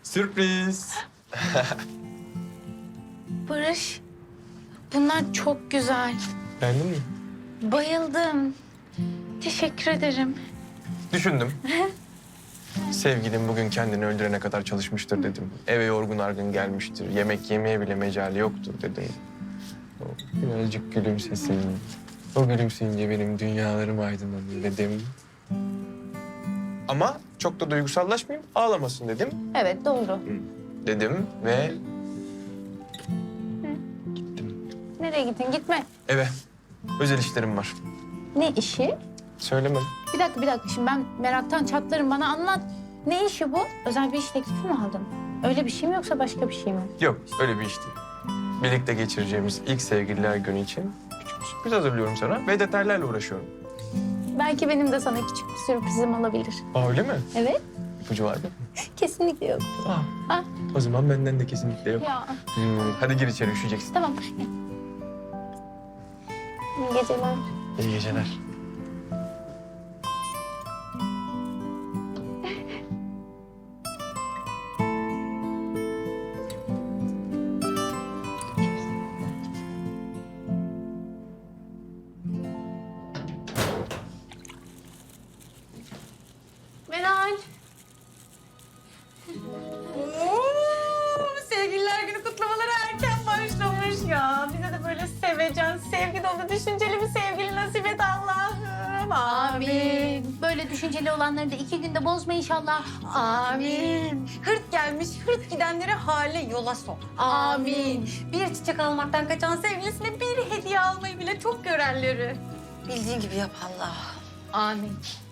Sürpriz. Barış, bunlar çok güzel. Beğendin mi? Bayıldım. Teşekkür ederim. Düşündüm. Sevgilim bugün kendini öldürene kadar çalışmıştır dedim. Eve yorgun argın gelmiştir. Yemek yemeye bile mecali yoktur dedim. O birazcık gülümsesin. O gülümseyince benim dünyalarım aydınlanır dedim. Ama çok da duygusallaşmayayım, ağlamasın dedim. Evet, doğru. Dedim ve Nereye gittin? Gitme. eve. Özel işlerim var. Ne işi? Söylemem. Bir dakika. Şimdi ben meraktan çatlarım. Bana anlat. Ne işi bu? Özel bir iş teklifi mi aldın? Öyle bir şey mi yoksa başka bir şey mi? Yok, öyle bir iş değil. Birlikte geçireceğimiz ilk sevgililer günü için küçük bir sürpriz hazırlıyorum sana ve detaylarla uğraşıyorum. Belki benim de sana küçük bir sürprizim olabilir. Aa, öyle mi? Evet. İpucu var mı? Kesinlikle yok. Aa, o zaman benden de kesinlikle yok. Ya Hadi gir içeri, üşüyeceksin. tamam. İyi geceler. İyi geceler. Meral. Sevgililer günü kutlamaları erken başlamış ya. Bize de böyle sevecen, sevgi dolu, düşünceli bir sevgili nasip et Allah'ım. Amin. Böyle düşünceli olanları da 2 günde bozma inşallah. Amin. Hırt gelmiş, hırt gidenleri hale yola sok. Amin. Bir çiçek almaktan kaçan sevgilisine bir hediye almayı bile çok görenleri. Bildiğin gibi yap Allah. Amin.